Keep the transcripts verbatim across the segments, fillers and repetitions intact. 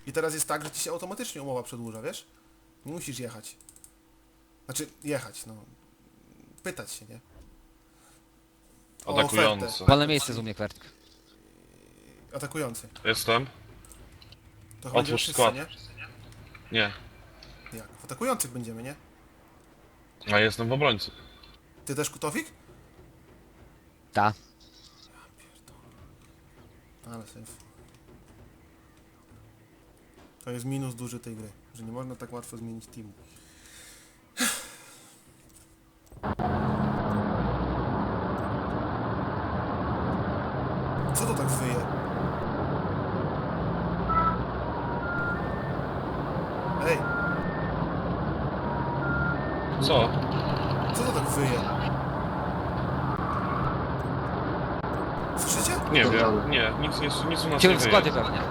I teraz jest tak, że ci się automatycznie umowa przedłuża, wiesz? Nie musisz jechać. Znaczy, jechać, no. Pytać się, nie? O Atakujący. ofertę. Wolne miejsce z umie kwertk. Atakujący. Jestem. To chyba będziemy Otwórz wszyscy, skład. nie? Nie. Jak? W atakujących będziemy, nie? A jestem w obrońcy. Ty też Kutowik? Ta. Ale safe. To jest minus duży tej gry, że nie można tak łatwo zmienić teamu. Co to tak wyje? Ej, Co? co to tak wyje? Słyszycie? Nie wiem. Nie, nic, nic, nic u nas Ciebie nie w składzie wyje. pewnie.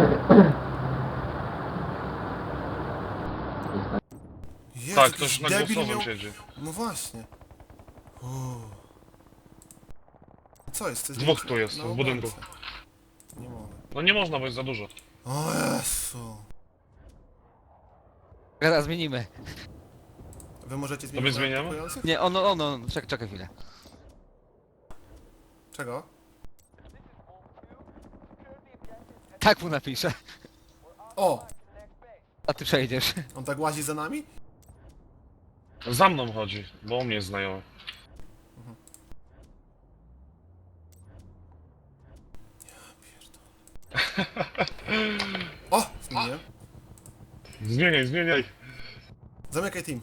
Jezu, Tak, jakiś ktoś na debil głosowym miał- siedzi. No właśnie. Uuu. Co jest? To jest Dwóch tu jest, na w budynku. obrońcę. Nie mogę. No nie można, bo jest za dużo. O Jezu. Teraz zmienimy. Wy możecie Tobie zmienić zmieniamy? atakujących? Nie, ono, ono, czekaj, czekaj chwilę. Czego? Tak mu napiszę. O! A ty przejdziesz. On tak łazi za nami? Za mną chodzi, bo u mnie jest znajomy. O! Zmieniłem. Zmieniaj, zmieniaj. Zamykaj team.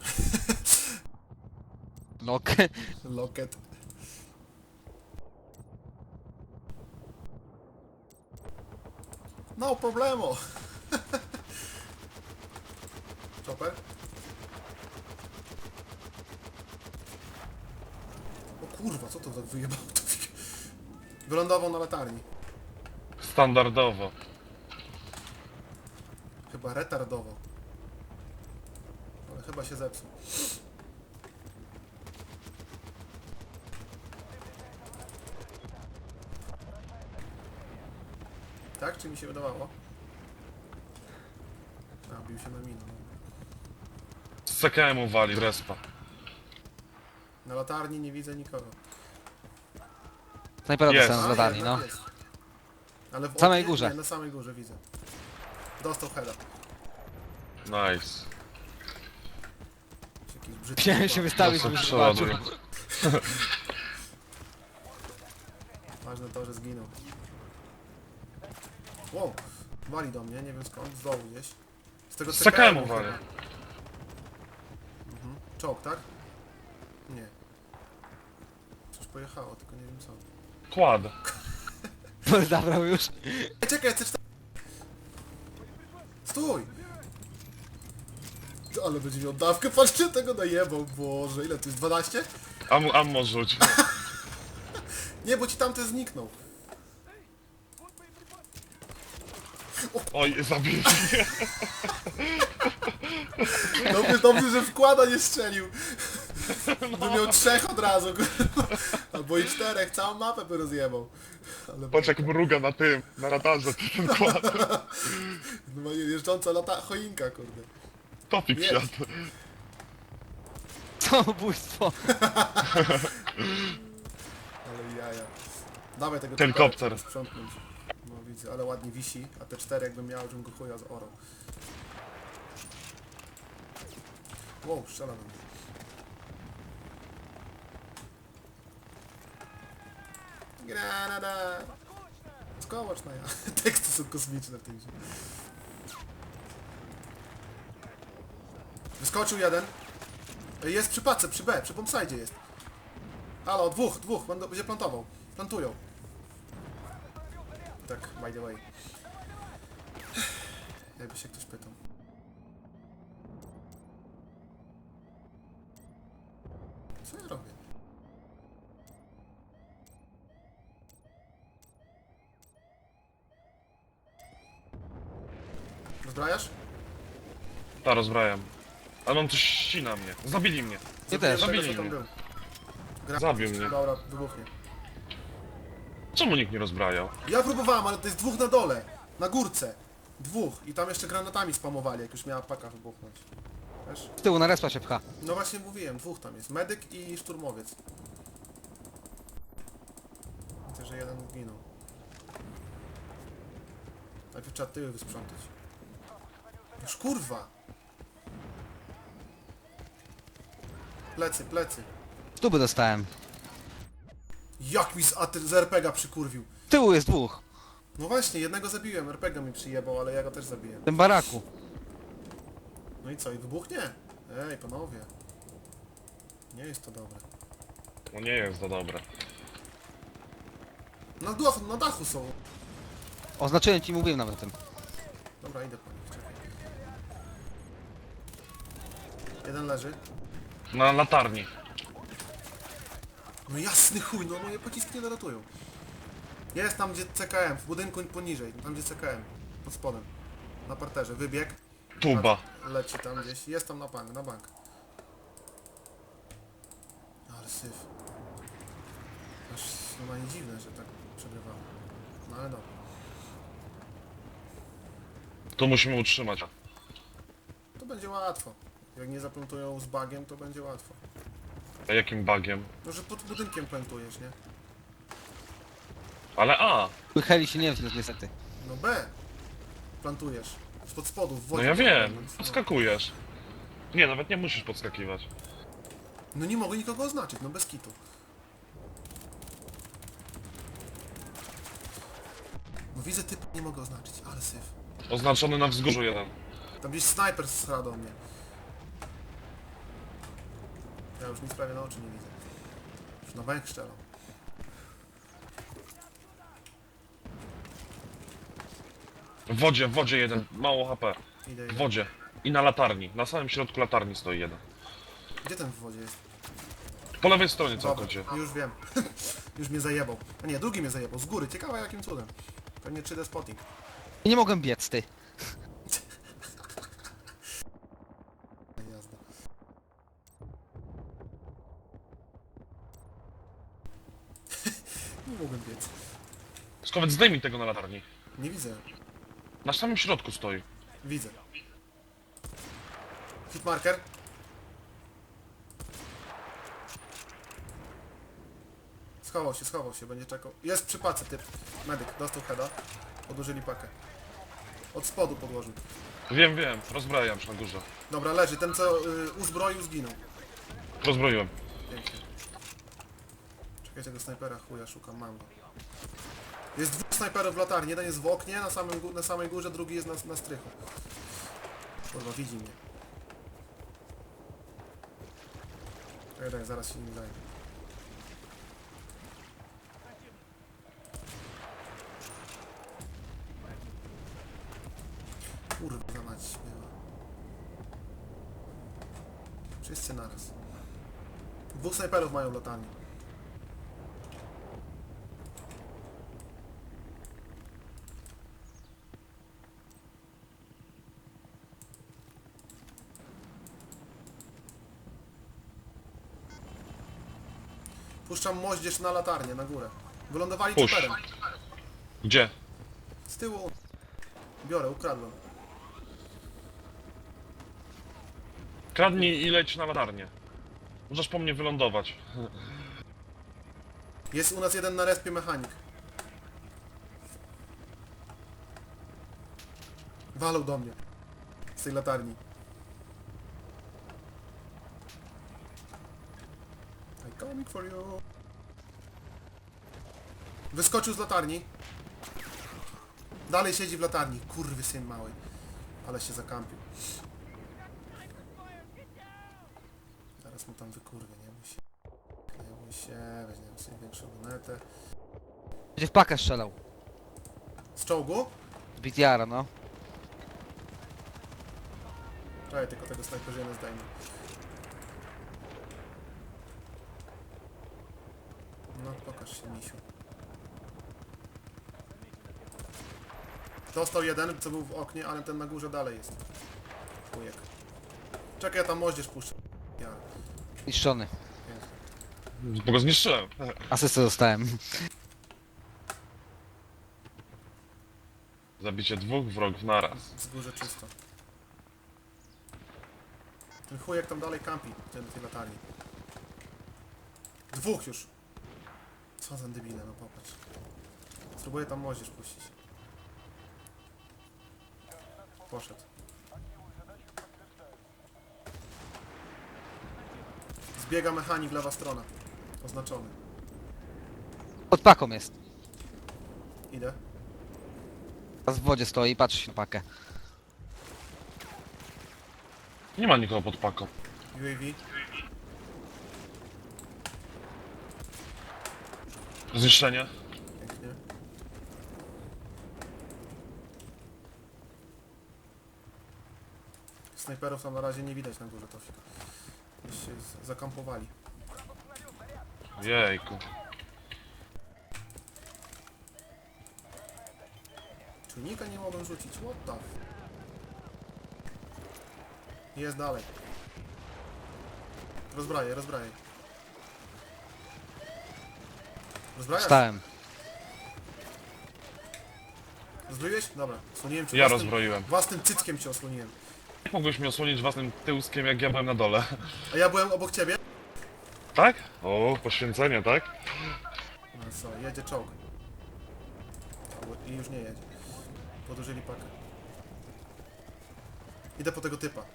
Nok. Locket. No problemo. Chopper? O kurwa, co to tak wyjebało? Wylądował na latarni. Standardowo. Chyba retardował. Ale chyba się zepsuł. Tak? Czy mi się wydawało? A, bił się na minę. Z C K M-u wali, z respa. Na latarni nie widzę nikogo. Snajpera Jest. dostałem z A, latarni, jednak no. jest. Ale w Samej oknie? górze. Nie, na samej górze widzę. Dostał heada. Nice. Jakiś brzydki Chciałem się chłopak. wystawić, Dostał żeby przeładuj. zobaczył. Ważne to, że zginął. Wow, wali do mnie, nie wiem skąd, z dołu gdzieś. Z tego Z C K M-u chyba. wali. Mhm. Czołg, tak? Nie. Coś pojechało, tylko nie wiem co. Kład. Zabrał już. Ej, czekaj, C cztery. Stój! Ale będzie miał dawkę, patrzcie, tego najebał, Boże, ile to jest, dwanaście? Am, ammo rzuć. Nie, bo ci tamten zniknął. Oj, zabili mnie. Dobrze, dobrze, że wkłada nie strzelił. By miał trzech od razu, kurwa. Albo i czterech, całą mapę by rozjebał. Ale Patrz jak mruga na tym, na radarze, ten kład. normalnie jeżdżąca lata choinka, kurde. Topik Jest. siadł. Samobójstwo. Ale jaja. Dawaj tego Helikopter. tupera, trzeba sprzątnąć. No widzę, ale ładnie wisi, a te cztery jakbym miał, żebym go chuja z oro. Wow, strzela na mnie. Granada! Skowacz na ja. Teksty są kosmiczne w tej grze. Wyskoczył jeden. Jest przy pace, przy B, przy bombsite jest. Halo, dwóch, dwóch, będą, będzie plantował. Plantują. Tak, by the way. Jakby się ktoś pytał. Co ja robię? Rozbrajasz? Ta, rozbrajam. Ale on coś ścina mnie. Zabili mnie. Nie też. Zabiłem zabili tego, co tam mnie. był. Gra... Zabił mnie. Dobra, wybuchnie. Czemu nikt nie rozbrajał? Ja próbowałem, ale to jest dwóch na dole. Na górce. Dwóch. I tam jeszcze granatami spamowali, jak już miała paka wybuchnąć. Wiesz? Z tyłu na respa się pcha. No właśnie mówiłem, dwóch tam jest. Medyk i szturmowiec. Widzę, że jeden zginął. Najpierw trzeba tyły wysprzątać. Już kurwa! Plecy, plecy. Stuby dostałem. Jak mi z, A T z er pe ga przykurwił. Z tyłu jest dwóch. No właśnie, jednego zabiłem, er pe ga mi przyjebał, ale ja go też zabiję. W tym baraku. No i co, i wybuchnie? Ej, panowie. Nie jest to dobre. No nie jest to dobre. Na dachu, na dachu są. Oznaczyłem ci, mówiłem nawet o tym. Dobra, idę po nich, czekaj. Jeden leży. Na latarni. No jasny chuj, no moje pociski nie dolatują. Jest tam gdzie ce ka em, w budynku poniżej, tam gdzie ce ka em. Pod spodem. Na parterze, wybieg. Tuba. Leci tam gdzieś, jest tam na bank, na bank. Ale syf. Aż normalnie dziwne, że tak przegrywało. No ale dobra. Tu musimy utrzymać. To będzie łatwo. Jak nie zaplantują z bagiem, to będzie łatwo. A jakim bugiem? No, że pod budynkiem plantujesz, nie? Ale A! Heli się nie wziął niestety. No B. Plantujesz. Spod spodu, w No wodzie. ja wiem. wewnątrz, no. Podskakujesz. Nie, nawet nie musisz podskakiwać. No nie mogę nikogo oznaczyć, no bez kitu. No widzę typ, nie mogę oznaczyć, ale syf. Oznaczony na wzgórzu jeden. Tam gdzieś snajper strzela do mnie. Ja już nic prawie na oczy nie widzę. Już na bank strzelam. W wodzie, w wodzie jeden. Mało ha pe. Idę, W idę. wodzie. I na latarni. Na samym środku latarni stoi jeden. Gdzie ten w wodzie jest? Po lewej stronie Dobra, całkowicie. już wiem. Już mnie zajebał. A nie, drugi mnie zajebał, z góry. Ciekawe jakim cudem. Pewnie trzy D spotting. I nie mogłem biec, ty. Jazda. Nie mogłem biec. Skowiec, zdejmij tego na latarni. Nie widzę. Na samym środku stoi. Widzę. Hitmarker. Schował się, schował się, będzie czekał. Jest przy pace typ. Medyk, dostał heada. Podłożyli pakę. Od spodu podłożył. Wiem, wiem. Rozbrajam się na górze. Dobra, leży. Ten co y, uzbroił zginął. Rozbroiłem. Pięknie. Czekaj tego snajpera, chuja szukam, mam go. Jest dwóch snajperów w latarni. Jeden jest w oknie na, samym, gó- na samej górze, drugi jest na, na strychu. Kurwa, widzi mnie. Daj, daj, zaraz się nim zajmę. Kurwa mać była. Wszyscy naraz. Dwóch snajperów mają w latarni. Puszczam moździerz na latarnię, na górę. Wylądowali Puść. czoperem. Gdzie? Z tyłu. Biorę, ukradłem. Kradnij i leć na latarnię. Możesz po mnie wylądować. Jest u nas jeden na respie mechanik. Walą do mnie. Z tej latarni. I'm coming for you. Wyskoczył z latarni. Dalej siedzi w latarni. Kurwy syn mały. Ale się zakampił. Zaraz mu tam wykurwię, nie bój się. Nie bój się, weźmiemy sobie większą lunetę. Będzie w pakę strzelał. Z czołgu? Z B T R-a, no. Czekaj, tylko tego snajperzyna zdejmę. No, pokaż się, misiu. Dostał jeden, co był w oknie, ale ten na górze dalej jest. Chujek. Czekaj, ja tam moździerz puszczę. Ja. Niszczony. Pięknie. Bo go zniszczyłem. Asystę dostałem. Zabicie dwóch wrogów naraz. Wzgórze czysto. Ten chujek tam dalej kampi, ten tej latarni. Dwóch już. Co za debile, no popatrz. Spróbuję tam moździerz puścić. Poszedł. Zbiega mechanik, lewa strona. Oznaczony. Pod paką jest. Idę. Teraz w wodzie stoi i patrzy się na pakę. Nie ma nikogo pod paką. U A V. Zniszczenie. Pięknie. Snajperów tam na razie nie widać na górze, Tofik. Gdzieś się z- zakampowali. Jejku. Czujnika nie mogłem rzucić, what the f... Jest dalej. Rozbraję, rozbraję. Rozbrajasz? Wstałem. Rozbroiłeś? Dobra, osłoniłem cię Ja własnym, rozbroiłem. własnym cyckiem cię osłoniłem. Jak mogłeś mnie osłonić własnym tyłskiem, jak ja byłem na dole? A ja byłem obok ciebie? Tak? O, poświęcenie, tak? No co, jedzie czołg. Albo- I już nie jedzie. Podłużyli pakę. Idę po tego typa.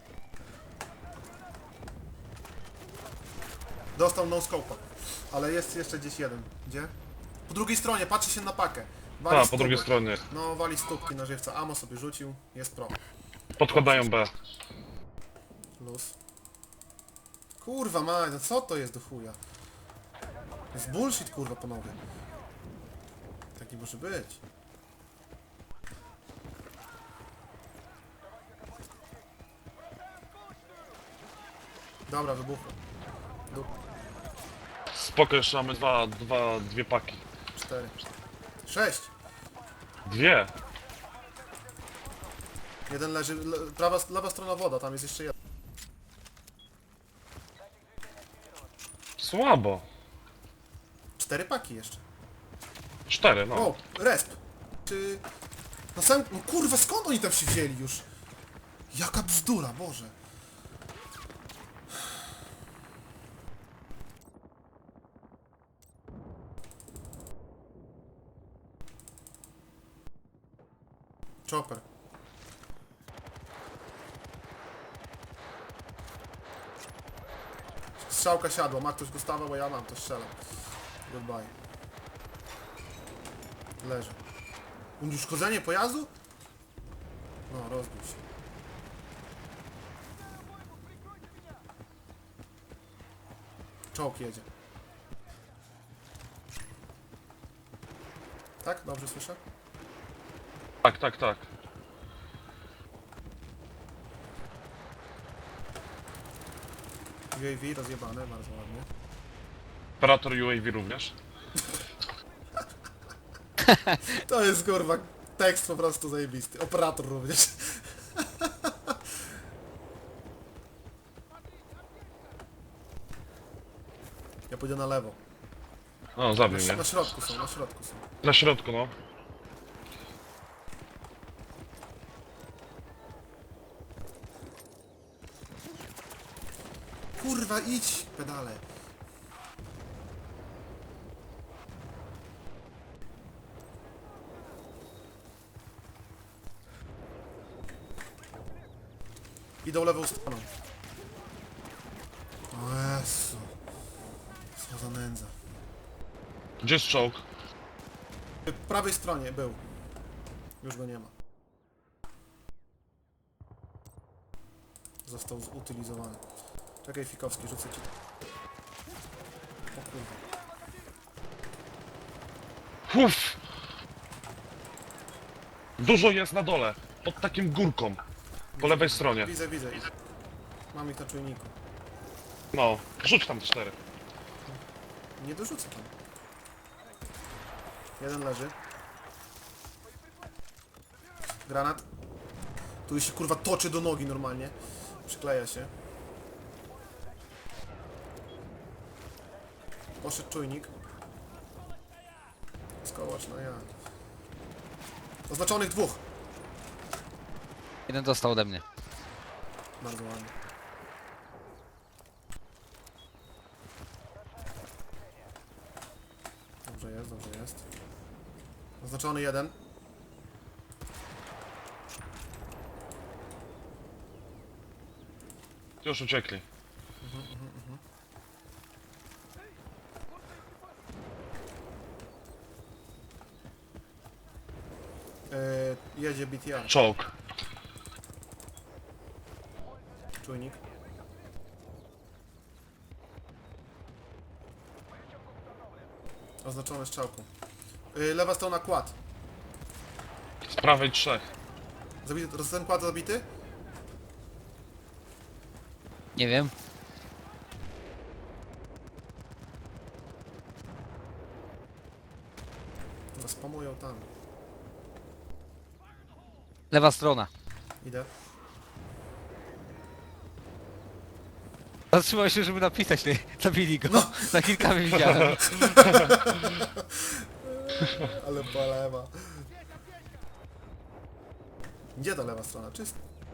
Dostał no scope'a. Ale jest jeszcze gdzieś jeden. Gdzie? Po drugiej stronie, patrzy się na pakę. Wali A, po stóp- drugiej stronie. No, wali stópki na żywca. Amo sobie rzucił. Jest pro. Podkładają B. Luz. Kurwa maj, no co to jest do chuja? To jest bullshit, kurwa, panowie. Tak nie może być. Dobra, wybuchło. Du Spoko, jeszcze mamy dwa, dwa, dwie paki. cztery. Sześć. Dwie! Jeden leży, le, prawa, lewa strona woda, tam jest jeszcze jeden. Słabo. Cztery paki jeszcze. Cztery, no. O, resp. Czy... Na samym... No kurwa, skąd oni tam się wzięli już? Jaka bzdura, Boże. Chopper. Strzałka siadła, ma ktoś Gustawa, bo ja mam, to strzelam. Goodbye. Leży. Uszkodzenie pojazdu? No, rozbił się. Czołg jedzie. Tak? Dobrze słyszę? Tak, tak, tak. U A V rozjebane, bardzo ładnie. Operator U A V również. To jest kurwa tekst po prostu zajebisty. Operator również. Ja pójdę na lewo. O, Na, zabił ś- mnie. na środku są, na środku są. Na środku, no. Kurwa, idź, pedale. Idą lewą stroną. O Jezu. Co za nędza. Gdzie jest czołg? Po prawej stronie był. Już go nie ma. Został zutylizowany. Czekaj, Fikowski, rzucę ci. O kurwa. Uff! Dużo jest na dole. Pod takim górką. Po lewej stronie. Widzę, widzę. Mam ich na czujniku. No. Rzuć tam cztery. Nie dorzucę tam. Jeden leży. Granat. Tu się kurwa toczy do nogi normalnie. Przykleja się. Poszedł czujnik. Skołacz, no ja. Oznaczonych dwóch. Jeden dostał ode mnie. Bardzo ładnie. Dobrze jest, dobrze jest. Oznaczony jeden. Już uciekli. Yy, jedzie B T R. Czołg. Czujnik. Oznaczony strzałką. Yy, lewa strona kład. Z prawej trzech. Zabity, ten kład zabity? Nie wiem. Chyba spamują tam. Lewa strona. Idę. Zatrzymał się, żeby napisać, nie? Zabili go. No. Na kilka widziałem. Ale polewa. Gdzie ta lewa strona? Czysta.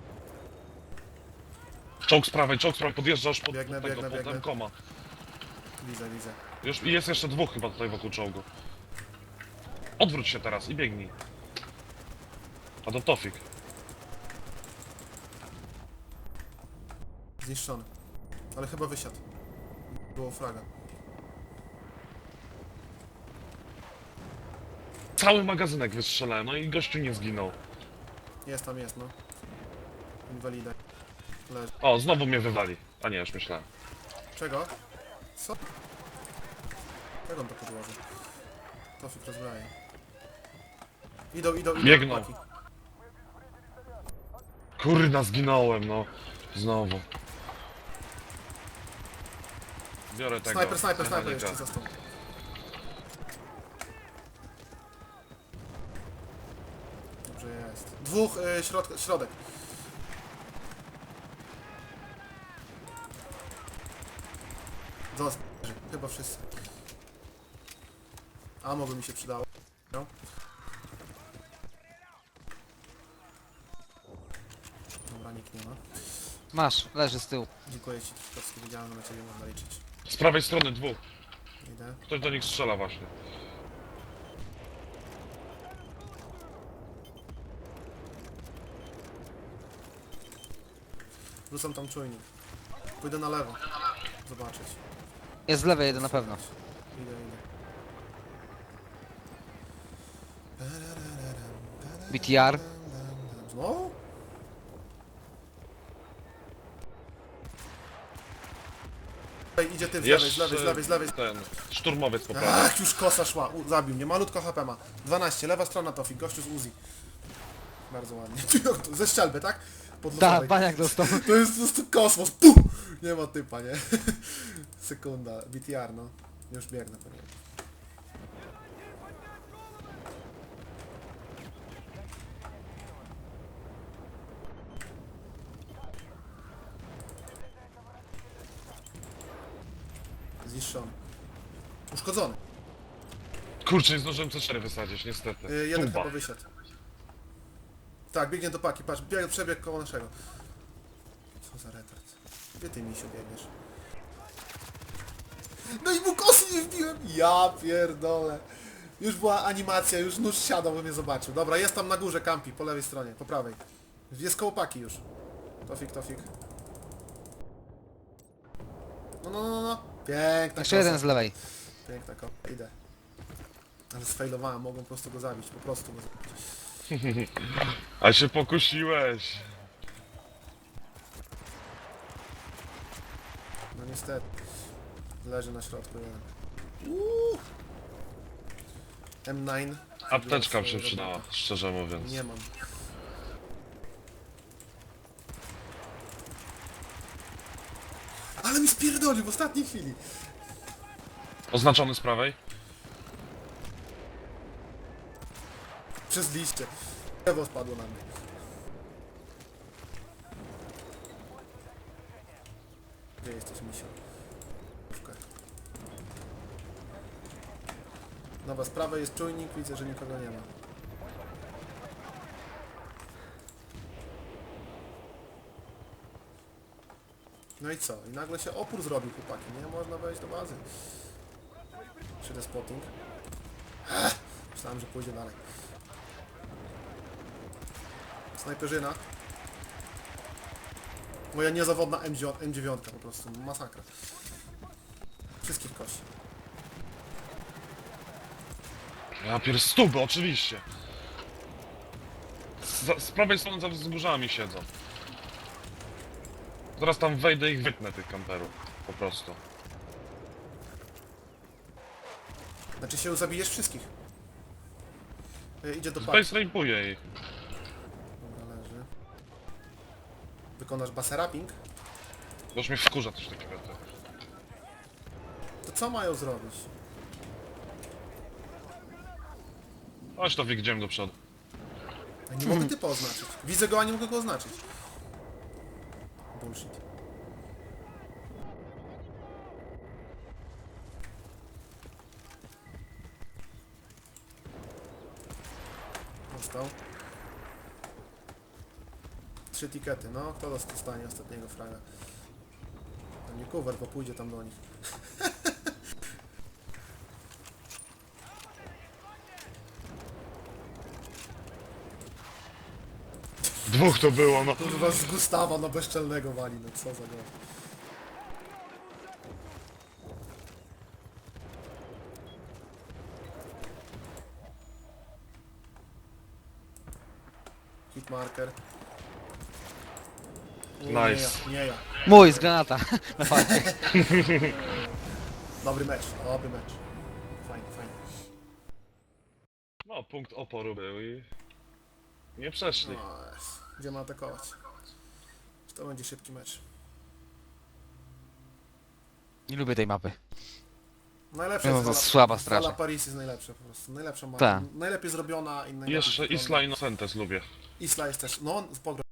Czołg z prawej, czołg z prawej, podjeżdżasz pod, Biegnę, pod tego, biegnę, pod biegnę. koma. Widzę, widzę. Już i jest jeszcze dwóch chyba tutaj wokół czołgu. Odwróć się teraz i biegnij. A to Tofik. Zniszczony. Ale chyba wysiadł. Było fraga. Cały magazynek wystrzelałem, no i gościu nie zginął. Jest tam, jest, no. Inwalida. Leży. O, znowu mnie wywali. A nie, już myślałem. Czego? Co? Jak on to podłożył? Tofik rozbraje. Idą, idą, idą. Biegną. chłopaki. Kurna, zginąłem, no. Znowu. Biorę tego. Snajper, snajper, snajper mechanika. jeszcze został. Dobrze jest. Dwóch, y, środ środek. Został. Chyba wszyscy. Amo by mi się przydało. No. Dobra, nikt nie ma. Masz, leży z tyłu. Dziękuję ci, Trzaskowski, wiedziałem, że na ciebie można liczyć. Z prawej strony dwóch. Idę. Ktoś do nich strzela właśnie. Rzucam tam czujnik. Pójdę na lewo. Zobaczyć. Jest z lewej jeden na pewno. Idę, idę. B T R. Znowu? Ej, idzie ty z lewej, z lewej, z lewej, z lewej. ten szturmowiec po prawej. Ach, już kosa szła. U, zabił mnie. Malutko H P ma. dwanaście, lewa strona Tofik, gościu z Uzi. Bardzo ładnie. Ze strzelby, tak? Pod Tak, losowej. baniak dostał. To jest po prostu kosmos. Puh! Nie ma typa, nie? Sekunda. B T R, no. Już biegnę po niego. Zniszczony. Uszkodzony. Kurczę, nie zdążyłem C cztery wysadzić, niestety. Yy, jeden Tuba. chyba wysiadł. Tak, biegnie do paki, patrz, bieg, przebieg koło naszego. Co za retard. Gdzie ty, misiu, biegniesz? No i mu kosy nie wbiłem! Ja pierdolę. Już była animacja, już nóż siadał, bo mnie zobaczył. Dobra, jest tam na górze, kampi, po lewej stronie, po prawej. Jest koło paki już. Tofik, Tofik. No, no, no, no. Piękna Jeszcze kosa. jeden z lewej. Piękna kosa, idę. Ale sfailowałem, mogłem po prostu go zabić, po prostu go zabić. A się pokusiłeś. No niestety. Leży na środku jeden. Uuu. M dziewięć. Apteczka mi się Zrobiła przydała, robotę. szczerze mówiąc. Nie mam. Ale mi spierdolił w ostatniej chwili. Oznaczony z prawej? Przez liście. Lewo spadło na mnie. Gdzie jesteś, misio? Dobra, z prawej jest czujnik, widzę, że nikogo nie ma. No i co? I nagle się opór zrobił, chłopaki. Nie można wejść do bazy. Przyjdę spotting. Ech, myślałem, że pójdzie dalej. Snajperzyna. Moja niezawodna M dziewięć po prostu. Masakra. Wszystkich kości. Ja pier stuby, oczywiście. Z, z prawej strony za wzgórzami siedzą. Zaraz tam wejdę i ich wytnę, tych kamperów. Po prostu. Znaczy się zabijesz wszystkich. E, idzie do parku. Space rape'uje ich. Dobra, leży. Wykonasz baserapping? To już mnie wkurza coś takiego. To. To co mają zrobić? Chodź to idziemy do przodu. Ja nie mogę typa oznaczyć. Widzę go, a nie mogę go oznaczyć. Bullshit. Dostał. Trzy tikety, no. Kto dostanie ostatniego fraga? To nie cover, bo pójdzie tam do nich. Dwóch to było, no. Kurwa z Gustawa na bezczelnego wali, no co za go. Hitmarker. Nie, Nice. Nie ja, nie ja. Mój, z granata. Na fakcie. Dobry mecz, dobry mecz. Fajnie, fajnie. No, punkt oporu był i... Nie przeszli. No, gdzie ma atakować? To będzie szybki mecz. Nie lubię tej mapy. Najlepsza No, jest to Zala- słaba Zala strasznie. Paris jest najlepsza po prostu. Najlepsza mapa. Tak. Najlepiej zrobiona i najlepiej Jeszcze wygląda. Isla Innocentes lubię. Isla jest też. No, on- pogro.